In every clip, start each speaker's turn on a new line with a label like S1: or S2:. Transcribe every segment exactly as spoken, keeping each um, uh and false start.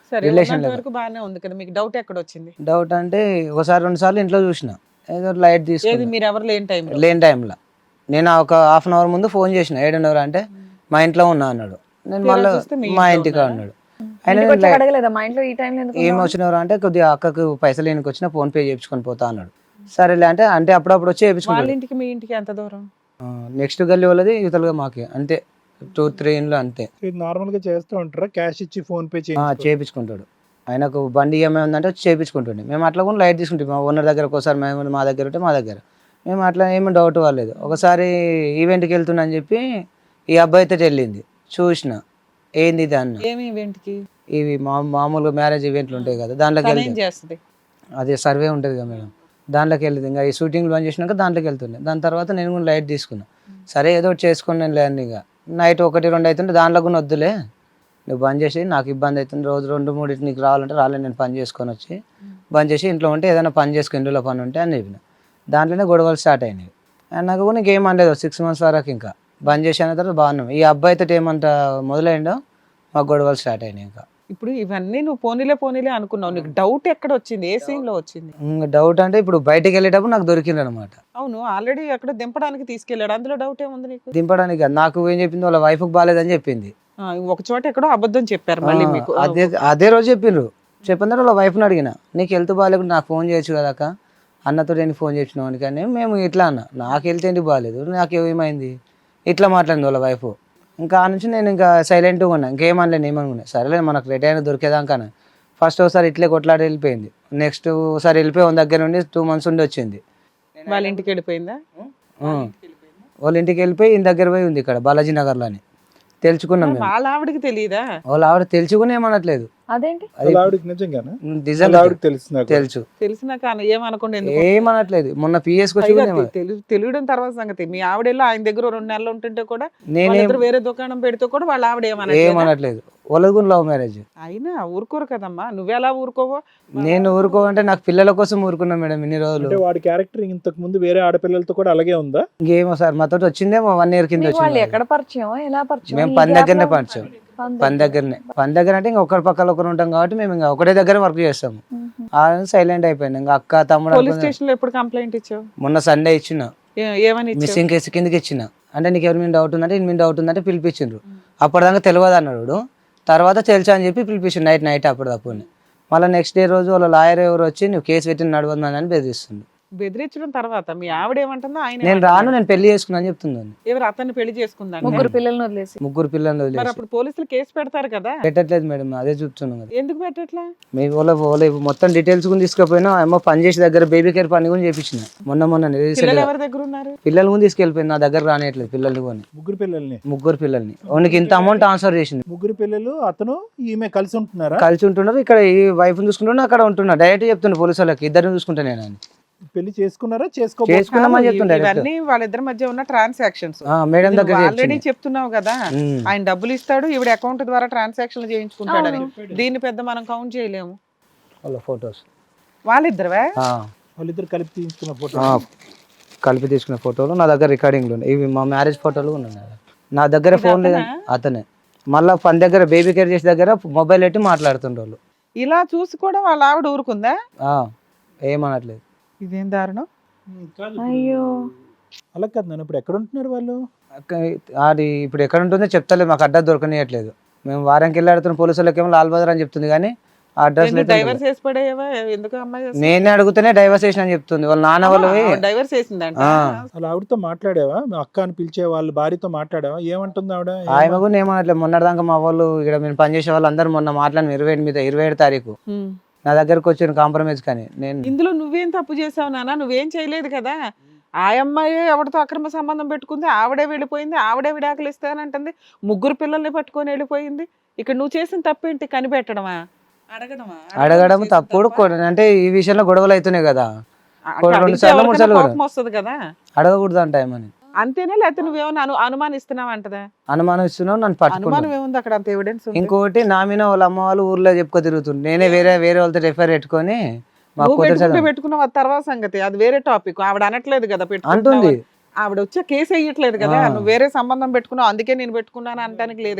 S1: సరే
S2: రిలేషన్
S1: ఉన్నంత
S2: లేదు.
S1: వరకు బాగానే ఉంది కదా, మీకు డౌట్ ఎక్కడ వచ్చింది?
S2: డౌట్ అంటే ఒకసారి రెండు సార్లు ఇంట్లో చూసిన, ఏదో లైట్
S1: ఏది
S2: తీసుకున్నా
S1: మీరు ఎవరు లేని టైంలో?
S2: లేని టైంలో. నేను ఒక హాఫ్ అన్ అవర్ ముందు ఫోన్ చేసిన, ఏడున్నర అంటే మా ఇంట్లో ఉన్నా అన్నాడు. నేను
S1: తీరా
S2: మళ్ళీ
S1: చూస్తే మీ
S2: మా
S1: ఇంట్లో
S2: ఇంటికి
S1: ఉన్నారా?
S2: అన్నాడు. ఆయన
S3: ఇంటికి
S2: నేను
S3: వచ్చి
S2: లై-
S3: అడగలేదా మా ఇంట్లో ఈ టైంలో ఎందుకు
S2: ఏం
S3: ఉన్నావు?
S2: వచ్చినవరా అంటే కొద్దిగా అక్కకు పైసలు ఏనికి వచ్చినా ఫోన్ పే చేయించుకొని పోతా అన్నాడు. సరేలే అంటే అంటే అప్పుడప్పుడు వచ్చి
S1: వాళ్ళ
S2: చేయించుకుంటాడు.
S1: ఇంటికి మీ ఇంటికి ఎంత దూరం?
S2: నెక్స్ట్ గల్లీ వాళ్ళది ఇవతలుగా మాకి అంతే, టూ త్రీ ఇండ్లు అంతే.
S4: ఇది నార్మల్ గా చేస్తూ ఉంటారా, క్యాష్ ఇచ్చి ఫోన్ పే
S2: ఆ,
S4: చేయించుకో
S2: చేయించుకుంటాడు. ఆయనకు బండి ఈఎంఐ ఉందంటే వచ్చి చేయించుకుంటుండే. మేము అట్లా కూడా లైట్ తీసుకుంటాం. మా ఓనర్ దగ్గర ఒకసారి మేము మా దగ్గర ఉంటే మా దగ్గర మేము అట్లా ఏమి డౌట్ వాళ్ళలేదు. ఒకసారి ఈవెంట్కి వెళ్తున్నా అని చెప్పి ఈ అబ్బాయితో వెళ్ళింది, చూసిన ఏంది ఇది అన్న.
S1: ఏమి ఈవెంట్కి?
S2: ఇవి మా మామూలుగా మ్యారేజ్ ఈవెంట్లు ఉంటాయి కదా, దాంట్లోకి
S1: తను ఏం
S2: వెళ్తే
S1: చేస్తుంది?
S2: అదే సర్వే ఉంటుంది కదా మేడం, దాంట్లోకి వెళ్ళింది. ఇంకా ఈ షూటింగ్ బంద్ చేసినాక దాంట్లోకి వెళ్తుండే. దాని తర్వాత నేను కూడా లైట్ తీసుకున్నా. సరే ఏదో ఒకటి చేసుకుని నేను లేను. ఇక నైట్ ఒకటి రెండు అవుతుంటే దాంట్లో కూడా వద్దులే, నువ్వు బంద్ చేసి నాకు ఇబ్బంది అవుతుంది, రోజు రెండు మూడు నీకు రావాలంటే రాలే, నేను పని చేసుకొని వచ్చి బంద్ చేసి ఇంట్లో ఉంటే ఏదైనా పని చేసుకుని ఇంట్లో పని ఉంటే అని చెప్పిన. దాంట్లోనే గొడవలు స్టార్ట్ అయినాయి. అండ్ నాకు కూడా ఇంకేం అనలేదు సిక్స్ మంత్స్ వరకు. ఇంకా బంద్ చేసి అన్న తర్వాత బాగున్నాం. ఈ అబ్బాయితో ఏమంట మొదలైండో మాకు గొడవలు స్టార్ట్ అయినాయి. ఇంకా
S1: ఇప్పుడు ఇవన్నీ నువ్వు పోనీలే పోనీలే అనుకున్నావు, నీకు డౌట్ ఎక్కడ వచ్చింది? ఏ సీన్ లో వచ్చింది?
S2: ఇంకా డౌట్ అంటే ఇప్పుడు బయటికి వెళ్ళేటప్పుడు నాకు దొరికింది అనమాట.
S1: అవును, ఆల్రెడీ అక్కడ దింపడానికి తీసుకెళ్ళాడు, అందులో డౌట్ ఏముంది నీకు?
S2: దింపడానికి కాదు, నాకు ఏం చెప్పింది వాళ్ళ వైఫ్కి బాగాలేదని చెప్పింది.
S1: ఆ, ఒక చోట ఎక్కడో అబద్ధం చెప్పారు మళ్ళీ మీకు.
S2: ఆ, అదే అదే రోజు చెప్పిండ్రు. చెప్పిన తర్వాత వాళ్ళ వైఫ్ని అడిగిన, నీకు హెల్త్ బాగాలేకుండా నాకు ఫోన్ చేయొచ్చు కదాక, అన్నతో నేను ఫోన్ చేసినావు కానీ మేము ఇట్లా అన్న, నాకు హెల్త్ ఏంటి బాగాలేదు, నాకు ఏమైంది ఇట్లా మాట్లాడింది వాళ్ళ వైఫ్. ఇంకా ఆ నుంచి నేను ఇంకా సైలెంట్గా ఉన్నా, ఇంకేమనలేను ఏమనుకున్నా. సరేలే మనకు రెడీ అయినా దొరికేదాకా. ఫస్ట్ ఒకసారి ఇట్లే కొట్లాడి వెళ్ళిపోయింది. నెక్స్ట్ ఒకసారి వెళ్ళిపోయి వాళ్ళ దగ్గర నుండి టూ మంత్స్ ఉండి వచ్చింది.
S1: వాళ్ళ ఇంటికి వెళ్ళిపోయిందా?
S2: ఆ, వాళ్ళ ఇంటికి వెళ్ళిపోయి ఈయన దగ్గర పోయి ఉంది ఇక్కడ బాలాజీ నగర్లో అని తెలుసుకున్నాం మేము.
S1: వాళ్ళ ఆవిడకి తెలియదా?
S2: వాళ్ళ ఆవిడ తెలుసుకుని ఏమనట్లేదు.
S3: అదేంటి?
S2: అది
S4: వాళ్ళ ఆవిడకి నిజంగానా?
S2: నిజంగా
S4: వాళ్ళ ఆవిడకి తెలుసు నాకు.
S2: తెలుసు,
S1: తెలిసినాక ఏమనుకోండి ఎందుకు?
S2: ఏమనట్లేదు. మొన్న పిఎస్ వచ్చి
S1: పైగా
S2: కూడా ఏమన-
S1: తె- తెలు- తెలియడం తర్వాత సంగతి. మీ ఆవిడేళ్ళో ఆయన దగ్గర రెండు నెలలు ఉంటుంటే కూడా,
S2: నేనేం
S1: వాళ్ళిద్దరు వేరే దుకాణం పెడితే కూడా వాళ్ళ ఆవిడ ఏమన్నా
S2: ఏమనట్లేదు. వాళ్ళది కూడా లవ్ మ్యారేజ్.
S1: అయినా ఊరుకోరు కదమ్మా, నువ్వెలా ఊరుకోవో?
S2: నేను ఊరుకోవంటే నాకు పిల్లల కోసం ఊరుకున్నా మేడం ఇన్ని రోజులు.
S4: అంటే వాడి క్యారెక్టర్ ఇంతకు ముందు వేరే ఆడపిల్లలతో కూడా అలాగే ఉందా?
S2: ఇంకేమో సార్ మాతో వచ్చిందేమో వన్ ఇయర్ కింద
S3: మీకు వాళ్ళు
S2: వచ్చింది.
S3: ఎక్కడ పరిచయం, ఎలా పరిచయం?
S2: మేము
S3: ఈ
S2: పని
S3: gap
S2: దగ్గరనే
S3: లో-
S2: పరిచయం.
S3: పని
S2: పని దగ్గరనే పని దగ్గర అంటే ఇంకా ఒకరి పక్కన ఒకరు ఉంటాం కాబట్టి మేము ఇంకా ఒకటే దగ్గర వర్క్ చేస్తాము.
S3: మ్మ్.
S2: ఆ సైలెంట్ అయిపోయింది. ఇంకా అక్క తమ్ముడు
S1: పోలీస్
S2: అనుకున్నా.
S1: స్టేషన్ లో ఎప్పుడు కంప్లైంట్ ఇచ్చావు?
S2: మొన్న సండే ఇచ్చిన,
S1: ఏ- ఏమని ఇచ్చావు?
S2: మిస్సింగ్ కేసు కిందకి ఇచ్చిన. అంటే నీకు ఎవరి మీద డౌట్ ఉందంటే ఇన్ని మీద డౌట్ ఉందంటే పిలిపించిండ్రు. అప్పటిదాకా తెలియదు అన్నాడు. తర్వాత తెలుసా అని చెప్పి పిలిపించిండు నైట్ నైట్ అప్పటిదప్పుడు. మళ్ళీ నెక్స్ట్ డే రోజు వాళ్ళ లాయర్ ఎవరు వచ్చి నువ్వు కేసు పెట్టి నడవద్దని అని బెదిరిస్తుంది.
S1: బెదిరించడం తర్వాత మీ ఆవిడ ఏమంటుందో? ఆయన
S2: నేను రాను, నేను పెళ్లి చేసుకున్నా అని చెప్తున్నాను.
S1: ఎవరు అతన్ని పెళ్లి చేసుకుందా?
S3: ముగ్గురు పిల్లల్ని వదిలేసి
S2: ముగ్గురు పిల్లలు
S1: మరి
S2: వదిలేసి
S1: అప్పుడు పోలీసులు కేసు పెడతారు కదా,
S2: పెట్టట్లేదు మేడం, అదే చూస్తున్నాం కదా.
S1: ఎందుకు పెట్టట్లా?
S2: మీ వాళ్ళ వాళ్ళ మొత్తం డీటెయిల్స్ కూడా తీసుకుపోయినా ఏమో పని చేసే దగ్గర బేబీ కేర్ పని కూడా చేపించిన మొన్న మొన్న రీసెంట్
S1: పిల్లలు
S2: గా.
S1: ఎవరి దగ్గర ఉన్నారు?
S2: పిల్లలు కూడా తీసుకెళ్ళిపోయింది, నా దగ్గర రానియట్లేదు పిల్లల్ని కొని.
S4: ముగ్గురు పిల్లల్ని
S2: ముగ్గురు పిల్లల్ని వానికి ఇంత అమౌంట్ ట్రాన్స్ఫర్ చేసింది.
S4: ముగ్గురు పిల్లలు అతను ఈమె కలిసి ఉంటున్నారా?
S2: కలిసి ఉంటున్నారు. ఇక్కడ ఈ వైఫ్ చూసుకుంటున్నా, అక్కడ ఉంటున్నా. డైరెక్ట్ చెప్తున్నా పోలీసు వాళ్ళకి ఇద్దరిని చూసుకుంటా నేను అని.
S4: పెళ్లి చేసుకున్నారా? చేసుకో
S2: చేసుకున్నామని చెప్తున్నా డైరెక్ట్.
S1: ఇవన్నీ వాళ్ళిద్దరి మధ్య ఉన్న ట్రాన్సాక్షన్స్.
S2: మేడం దగ్గర
S1: ఆల్రెడీ చెప్తున్నావు కదా,
S2: ఉమ్.
S1: ఆయన డబ్బులు ఇస్తాడు, ఈవిడ అకౌంట్ ద్వారా ట్రాన్సాక్షన్ చేయించుకుంటాడని. దీన్ని పెద్ద మనం కౌంట్ చేయలేము.
S2: వాళ్ళ ఫొటోస్
S1: వాళ్ళిద్దరువే?
S4: వాళ్ళిద్దరు కలిపి తీసుకున్న ఫోటో.
S2: కలిపి తీసుకున్న ఫోటోలు నా దగ్గర రికార్డింగ్లు ఉన్నాయి. ఇవి మా మ్యారేజ్ ఫోటోలు ఉన్నాయి నా దగ్గర. ఫోన్ లేదు అతనే. మళ్ళీ పని దగ్గర బేబీ కేర్ చేసే దగ్గర మొబైల్ పెట్టి మాట్లాడుతుండ్రు వాళ్ళు.
S1: ఇలా చూసి కూడా వాళ్ళ ఆవిడ ఊరుకుందా?
S2: ఆ, ఏమనట్లేదు.
S1: ఇదేం దారుణం.
S3: అయ్యో
S4: అలా కాదు నన్ను, ఇప్పుడు ఎక్కడ ఉంటున్నారు వాళ్ళు?
S2: అక్క- అది ఇప్పుడు ఎక్కడ ఉంటుందో చెప్తలేదు, మాకు అడ్రస్ దొరకనియట్లేదు. మేము వారానికి వెళ్ళి ఆడుతున్న పోలీసు వాళ్ళకి ఏమో లాల్ బజార్ అని చెప్తుంది కానీ అడ్రస్ లేదు.
S1: డైవర్స్ వేసి పడేవా? ఎందుకు అమ్మాయి
S2: నేనే అడుగుతూనే డైవర్స్ చేసిన అని చెప్తుంది. వాళ్ళ నాన్న వాళ్ళు
S1: డైవర్స్ వేసిందంట.
S2: ఆ,
S4: వాళ్ళ ఆవిడతో మాట్లాడావా? మీ అక్క అని పిలిచే వాళ్ళ భార్యతో మాట్లాడావా? ఏమంటుంది ఆవిడ?
S2: ఆమె కూడా ఏమనట్లేదు. మొన్నటిదాకా మా వాళ్ళు ఇక్కడ మేము పనిచేసే వాళ్ళు అందరూ మొన్న మాట్లాడిన ఇరవై ఎనిమిది ఇరవై ఏడు తారీఖు
S1: హ్మ్.
S2: నా దగ్గరకు వచ్చిన కాంప్రమైజ్. కానీ నేను
S1: ఇందులో నువ్వేం తప్పు చేసావు నాన్న? నువ్వేం చేయలేదు కదా. ఆ అమ్మాయి ఎవరితో అక్రమ సంబంధం పెట్టుకుంది, ఆవిడే వెళ్ళిపోయింది, ఆవిడే విడాకులు ఇస్తానంటుంది, ముగ్గురు పిల్లల్ని పట్టుకొని వెళ్ళిపోయింది. ఇక్కడ నువ్వు చేసిన తప్పేంటి? కనిపెట్టడమా? అడగడమా?
S2: అడగడం తప్పుడు కొ- అంటే ఈ విషయంలో గొడవలు అవుతున్నాయి కదా.
S1: అంటే
S2: రెండు
S1: అడిగితే
S2: సార్లు, మూడు
S1: ఎవరికైనా
S2: సార్లు
S1: కోపం వస్తుంది కదా.
S2: అడగకూడదు అంట ఏమని
S1: అంతేనా? లేకపోతే నువ్వేమన్నా అను అనుమానిస్తున్నావు అంటదా?
S2: అనుమానం ఇస్తున్నావు, నన్ను
S1: అనుమానం
S2: పట్టుకున్నాను.
S1: ఏముంది అక్కడ? అంత ఎవిడెన్స్ ఉంది.
S2: ఇంకోటి నా మీద వాళ్ళ అమ్మ వాళ్ళు ఊర్లో చెప్పుకో తిరుగుతుంది. నేనే వేరే వేరే వాళ్ళతో రిఫర్ పెట్టుకొని మా
S1: నువ్వు
S2: కూతురు
S1: పెట్టుకుంటే
S2: చదువు
S1: పెట్టుకున్నావు, అది తర్వాత సంగతి, అది వేరే టాపిక్. ఆవిడ అనట్లేదు కదా పెట్టుకుంటున్నావు
S2: అంటుంది.
S1: అని. ఆవిడ వచ్చే కేసు వేయట్లేదు కదా,
S2: ఆ.
S1: నువ్వు వేరే సంబంధం పెట్టుకున్నావు అందుకే నేను పెట్టుకున్నాను అనడానికి లేదుగా.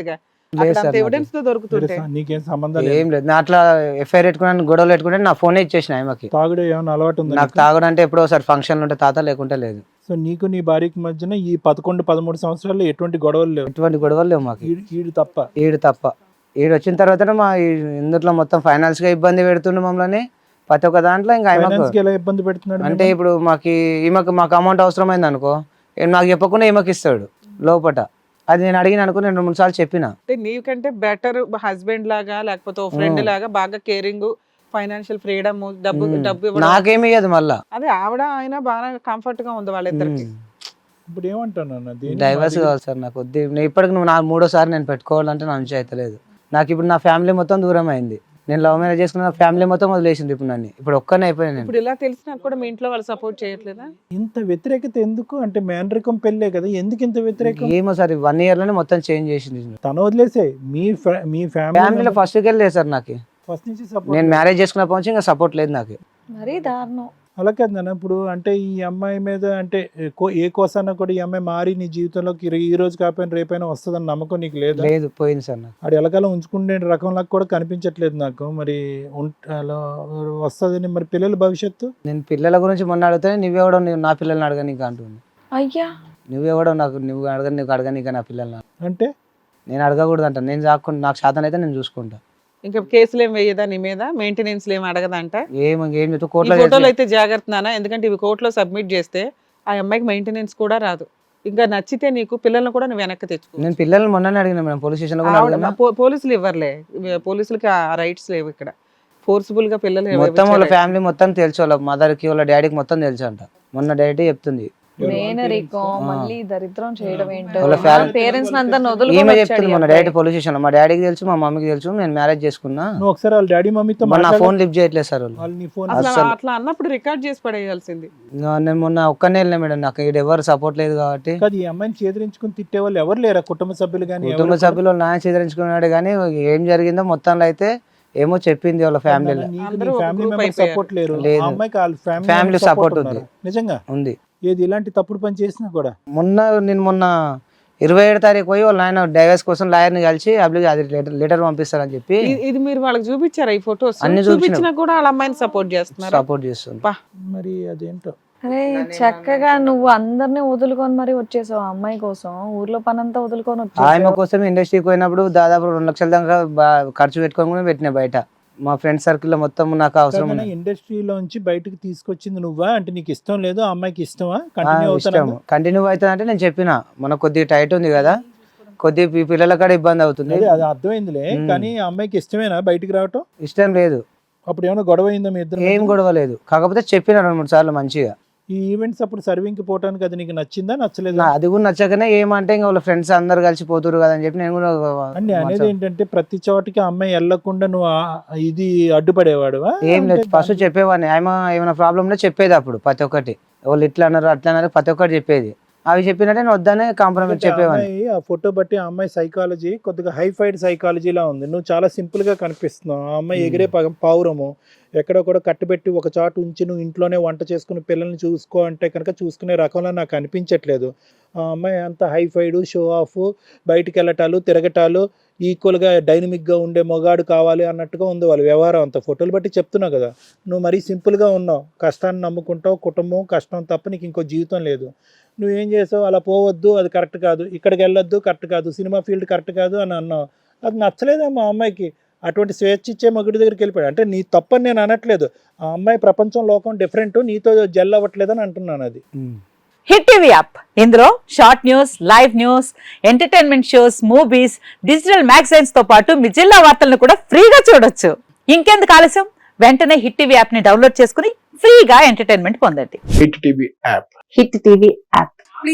S2: లేదు
S1: అక్కడ
S2: సార్
S1: అంత ఎవిడెన్స్ తో దొరుకుతుంటే
S4: తెలుసా? నీకేం సంబంధం లేదు.
S2: ఏం లేదు నా అట్లా ఎఫ్ఐఆర్ పెట్టుకున్నాను గొడవలు పెట్టుకుంటే నా ఫోనే ఇచ్చేసిన ఆమెకి.
S4: తాగుడు ఏమైనా అలవాటు ఉందా
S2: నాకు
S4: నీకు?
S2: తాగడం అంటే ఎప్పుడో ఒకసారి ఫంక్షన్లు ఉంటే తాత లేకుంటే లేదు.
S4: సో నీకు నీ భార్యకి మధ్యన ఈ పదకొండు పదమూడు సంవత్సరాల్లో ఎటువంటి గొడవలు లేవు,
S2: ఎటువంటి గొడవలు లేవు మాకు.
S4: ఈడు ఈడు తప్ప.
S2: ఈడు తప్ప. ఈడు వచ్చిన తర్వాత మా ఈ- ఇందులో మొత్తం ఫైనాన్స్ గా ఇబ్బంది పెడుతుండే మమ్మల్ని ప్రతి ఒక్క దాంట్లో. ఇంకా ఆమెకు
S4: ఫైనాన్స్ కి ఎలా ఇబ్బంది పెడుతున్నాడు?
S2: అంటే ఇప్పుడు మాకు ఈమెకు మాకు అమౌంట్ అవసరమైంది అనుకో, ఈయన నాకు చెప్పకుండా ఈమెకి ఇస్తాడు లోపట. అది నేను అడిగిన అనుకో నేను రెండు మూడు సార్లు చెప్పిన.
S1: అంటే నీకంటే బెటర్ హస్బెండ్ లాగా లేకపోతే ఓ ఫ్రెండ్ లాగా బాగా కేరింగ్, ఫైనాన్షియల్ ఫ్రీడమ్, డబ్బు డబ్బు ఇవ్వడం.
S2: నాకేమి ఇయ్యదు మళ్ళా.
S1: అదే ఆవిడ ఆయన బాగా కంఫర్ట్ గా ఉంది వాళ్ళిద్దరికి.
S4: ఇప్పుడు ఏమంటాను అన్న, దేనికి
S2: డైవర్స్
S4: మాది-
S2: కావాలి సార్ నాకు. వద్దు నేను ఇప్పటికి నువ్వు నా మూడోసారి నేను పెట్టుకోవాలంటే నా నుంచి అయితే లేదు. నాకు ఇప్పుడు నా ఫ్యామిలీ మొత్తం దూరం అయింది. నేను లవ్ మ్యారేజ్ చేసుకున్న ఫ్యామిలీ మొత్తం వదిలేసింది ఇప్పుడు నన్ను. ఇప్పుడు ఒక్కనే అయిపోయాను నేను.
S1: ఇప్పుడు ఇలా తెలిసినా కూడా మీ ఇంట్లో వాళ్ళు సపోర్ట్ చేయట్లేదా?
S4: ఇంత వ్యతిరేకత ఎందుకు? అంటే మేనరికం పెళ్ళే కదా, ఎందుకు ఇంత వ్యతిరేకం?
S2: ఏమో సార్ వన్ ఇయర్ లోనే మొత్తం చేంజ్ చేసింది.
S4: తన వదిలేసే మీ ఫ్యా- మీ
S2: ఫ్యామిలీలో
S4: ఫ్యామిలీ
S2: ఫస్ట్ వెళ్ళలేదు సార్ నాకు.
S4: ఫస్ట్ నుంచి support
S2: నేను మ్యారేజ్ చేసుకున్నప్పటి నుంచి ఇంకా సపోర్ట్ లేదు నాకు.
S3: మరీ దారుణం.
S4: అలా కాదు నాన్న. ఇప్పుడు అంటే ఈ అమ్మాయి మీద అంటే కో- ఏ కోసాన కూడా ఈ అమ్మాయి మారి నీ జీవితంలోకి ఈ- ఈ రోజు కాకపోయినా రేపైనా వస్తుందని నమ్మకం నీకు లేదా?
S2: లేదు పోయింది సార్ నాకు.
S4: ఆడు ఎలాగలా ఉంచుకునే రకంలా కూడా కనిపించట్లేదు నాకు. మరి ఉంట- అలా వస్తుందని మరి పిల్లల భవిష్యత్తు?
S2: నేను పిల్లల గురించి మొన్న అడిగితే నువ్వెవడో నువ్వు నా పిల్లల్ని అడగ నీకు అంటుంది.
S3: అయ్యా
S2: నువ్వెవడో నాకు నువ్వు అడగ నీకు అడగనీక నా పిల్లల్ని
S4: అంటే
S2: నేను అడగకూడదు అంట. నేను చాకుండా నాకు శాతం అయితే నేను చూసుకుంటా.
S1: ఇంకా కేసులు ఏం వేయదా నీ మీద? మెయింటెనెన్స్ ఏం అడగదంట?
S2: ఏం ఏం చెప్తా
S1: ఈ
S2: కోర్టులో
S1: ఫోటోలు అయితే జాగ్రత్త నాన్న, ఎందుకంటే ఇవి కోర్టులో సబ్మిట్ చేస్తే ఆ అమ్మాయికి మెయింటెనెన్స్ కూడా రాదు. ఇంకా నచ్చితే నీకు పిల్లల్ని కూడా నువ్వు వెనక్కి తెచ్చుకో.
S2: నేను పిల్లల్ని మొన్ననే అడిగిన మేడం పోలీస్ స్టేషన్ లో కూడా
S1: ఆవిడ-
S2: అడిగినా.
S1: పో- పోలీసులు ఇవ్వర్లే, ఇవి- పోలీసులకి ఆ రైట్స్ లేవు ఇక్కడ. ఫోర్స్ఫుల్ గా పిల్లలు ఎవరు
S2: మొత్తం వాళ్ళ
S1: ఇచ్చారు?
S2: ఫ్యామిలీ మొత్తం తెలుసు, వాళ్ళ మదర్ కి వాళ్ళ డాడీకి మొత్తం తెలుసు అంట. మొన్న డాడీ చెప్తుంది.
S3: మేనరికం మళ్ళీ దరిద్రం చేయడం ఏంటో.
S2: వాళ్ళ ఫ్యామిలీ-
S3: పేరెంట్స్ అంతా
S2: ఈమె
S3: వదులుకొని
S2: చెప్తుంది మొన్న డైరెక్ట్ పోలీస్ స్టేషన్ లో మా డాడీకి తెలుసు మా మమ్మీకి తెలుసు నేను మ్యారేజ్ చేసుకున్నా.
S4: నువ్వు ఒకసారి వాళ్ళ డాడీ మమ్మీతో
S2: మొన్న నా
S4: మాట్లాడు.
S2: ఫోన్ లిఫ్ట్ చేయట్లేదు సార్ వాళ్ళు.
S4: వాళ్ళు నీ ఫోన్
S1: అసలు
S2: అస్సలు.
S1: అట్లా అన్నప్పుడు రికార్డ్ చేసి పడేయాల్సింది.
S2: నా- నేను మొన్న ఒక్కనే వెళ్ళినా మేడం, నాకు ఇక్కడ ఎవరు సపోర్ట్ లేదు కాబట్టి.
S4: కాదు, ఈ అమ్మాయిని చేదరించుకుని తిట్టే వాళ్ళు ఎవరు లేరా? కుటుంబ సభ్యులు కానీ
S2: కుటుంబ సభ్యులు నాయన చేదరించుకున్నాడు కానీ ఏం జరిగిందో మొత్తంలో అయితే ఏమో చెప్పింది వాళ్ళ ఫ్యామిలీలో
S1: అందరూ ఒక
S4: ఫ్యామిలీ
S1: group
S4: మెంబర్
S1: అయిపోయారు.
S4: సపోర్ట్ లేరు.
S2: లేదు.
S4: ఆ అమ్మాయికి వాళ్ళ
S2: Family
S4: ఫ్యామిలీ
S2: support
S4: సపోర్ట్
S2: ఉంది.
S4: ఉంది. నిజంగా
S2: ఉంది.
S4: ఏది ఇలాంటి తప్పుడు పని చేసినా కూడా
S2: మొన్న నేను మొన్న ఇరవై ఏడు తారీఖు పోయి వాళ్ళ ఆయన డైవర్స్ కోసం లాయర్ని కలిసి అప్లికేషన్ అది లెటర్ లెటర్ పంపిస్తారని చెప్పి
S1: ఇ- ఇది మీరు వాళ్ళకి చూపించారా ఈ ఫొటోస్?
S2: అన్ని
S1: చూపించినా కూడా వాళ్ళ అమ్మాయిని సపోర్ట్ చేస్తున్నారు.
S2: సపోర్ట్ చేస్తుంది.
S1: పా.
S4: మరి అదేంటో.
S3: అరే చక్కగా నువ్వు అందరినీ వదులుకొని మరి వచ్చేసావు ఆ అమ్మాయి కోసం. ఊర్లో పనంతా వదులుకొని
S2: ఆమె
S3: వచ్చేసావు.
S2: కోసం ఇండస్ట్రీకి పోయినప్పుడు దాదాపు రెండు లక్షల దాకా బా- ఖర్చు పెట్టుకొని కూడా పెట్టినా బయట. మా ఫ్రెండ్ సర్కిల్ లో మొత్తం నాకు అవసరం ఉంది.
S4: ఇండస్ట్రీలోంచి బయటకు తీసుకొచ్చింది నువ్వా? అంటే నీకు ఇష్టం లేదు, ఆ అమ్మాయికి ఇష్టమా?
S2: ఆ,
S4: కంటిన్యూ
S2: ఇష్టం
S4: అవుతాను.
S2: కంటిన్యూ అవుతుంది అంటే నేను చెప్పిన మన కొద్దిగా టైట్ ఉంది కదా, కొద్దిగా పి- పిల్లల కాడ ఇబ్బంది అవుతుంది,
S4: అది అర్థమైందిలే.
S2: మ్మ్.
S4: కానీ ఆ అమ్మాయికి ఇష్టమేనా బయటికి రావటం?
S2: ఇష్టం లేదు.
S4: అప్పుడు ఏమైనా గొడవ అయిందా మీ ఇద్దరు?
S2: ఏం గొడవ లేదు, కాకపోతే చెప్పిన రెండు మూడు సార్లు మంచిగా.
S4: ఈ ఈవెంట్స్ అప్పుడు సర్వింగ్ కి పోవటానికి అది నీకు నచ్చిందా నచ్చలేదా?
S2: నా- అది కూడా నచ్చకనే ఏమంటే ఇంకా వాళ్ళ ఫ్రెండ్స్ అందరు కలిసి పోతురు కదా అని చెప్పి నేను కూడా
S4: అండి అనేది ఏంటంటే ప్రతి చోటికి ఆ అమ్మాయి వెళ్లకుండా నువ్వు ఆ- ఇది అడ్డుపడేవాడువా?
S2: ఏం లేదు. ఫస్ట్ చెప్పేవాడిని ఆమె ఏమైనా ప్రాబ్లం ఉంటే చెప్పేది అప్పుడు ప్రతి ఒక్కటి. వాళ్ళు ఇట్లా అన్నారు అట్లా అన్నారు ప్రతి ఒక్కటి చెప్పేది. అవి చెప్పినట్టే నేను వద్దనే కాంప్రమైజ్ చెప్పేవాడిని.
S4: అమ్మాయి ఆ ఫోటో బట్టి ఆ అమ్మాయి సైకాలజీ కొద్దిగా హైఫైడ్ సైకాలజీలా ఉంది. నువ్వు చాలా సింపుల్ గా కనిపిస్తున్నావు. ఆ అమ్మాయి ఎగిరే పగ- పావురము ఎక్కడో కూడా కట్టుబెట్టి ఒక చాటు ఉంచి నువ్వు ఇంట్లోనే వంట చేసుకుని పిల్లల్ని చూసుకో అంటే కనుక చూసుకునే రకంలో నాకు అనిపించట్లేదు. ఆ అమ్మాయి అంత హైఫైడ్, షో ఆఫ్, బయటికి వెళ్ళటాలు తిరగటాలు, ఈక్వల్గా డైనమిక్గా ఉండే మొగాడు కావాలి అన్నట్టుగా ఉంది వాళ్ళ వ్యవహారం అంతా. ఫోటోలు బట్టి చెప్తున్నావు కదా. నువ్వు మరీ సింపుల్గా ఉన్నావు. కష్టాన్ని నమ్ముకుంటావు, కుటుంబం కష్టం తప్ప నీకు ఇంకో జీవితం లేదు. నువ్వేం చేసావు? అలా పోవద్దు, అది కరెక్ట్ కాదు, ఇక్కడికి వెళ్ళొద్దు కరెక్ట్ కాదు, సినిమా ఫీల్డ్ కరెక్ట్ కాదు అని అన్నావు. అది నచ్చలేదేమో ఆ అమ్మాయికి. అటువంటి స్వేచ్ఛ ఇచ్చే మగుడి దగ్గరికి వెళ్ళిపోయాడు. అంటే నీ తప్పని నేను అనట్లేదు. ఆ అమ్మాయి ప్రపంచం లోకం డిఫరెంట్, నీతో జెల్ అవ్వట్లేదని అంటున్నాను. అది
S5: హిట్ టీవీ యాప్, ఇందులో short news, live news, entertainment shows, movies, digital magazines తో పాటు మీ జిల్లా వార్తలను కూడా ఫ్రీగా చూడొచ్చు. ఇంకెందుకు ఆలస్యం, వెంటనే హిట్ టీవీ యాప్ ని డౌన్లోడ్ చేసుకుని ఫ్రీగా ఎంటర్టైన్మెంట్ పొందండి.
S6: Hit TV app
S5: hit TV app.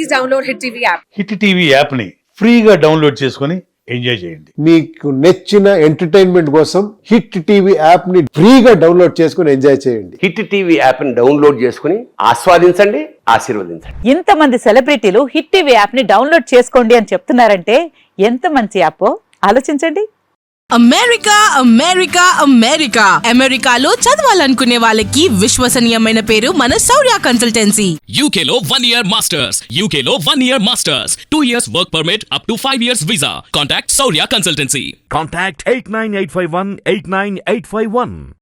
S7: Hit TV యాప్ని ఫ్రీగా డౌన్లోడ్ చేసుకొని ఎంజాయ్ చేయండి.
S6: మీకు నచ్చిన ఎంటర్టైన్మెంట్ కోసం హిట్ టీవీ యాప్ ని ఫ్రీగా డౌన్లోడ్ చేసుకుని ఎంజాయ్ చేయండి.
S8: హిట్ టీవీ యాప్ని డౌన్లోడ్ చేసుకుని ఆస్వాదించండి, ఆశీర్వదించండి.
S5: ఇంతమంది సెలబ్రిటీలు హిట్ టీవీ యాప్ ని డౌన్లోడ్ చేసుకోండి అని చెప్తున్నారంటే ఎంత మంచి యాప్ ఆలోచించండి.
S9: అమెరికా అమెరికా అమెరికా అమెరికాలో చదవాలనుకునే వాళ్ళకి విశ్వసనీయమైన పేరు మన శౌర్య కన్సల్టెన్సీ.
S10: U K లో one year masters, U K లో one year masters, two years work permit up to five years visa. Contact Saurya Consultancy.
S11: Contact eight nine eight five one eight nine eight five one.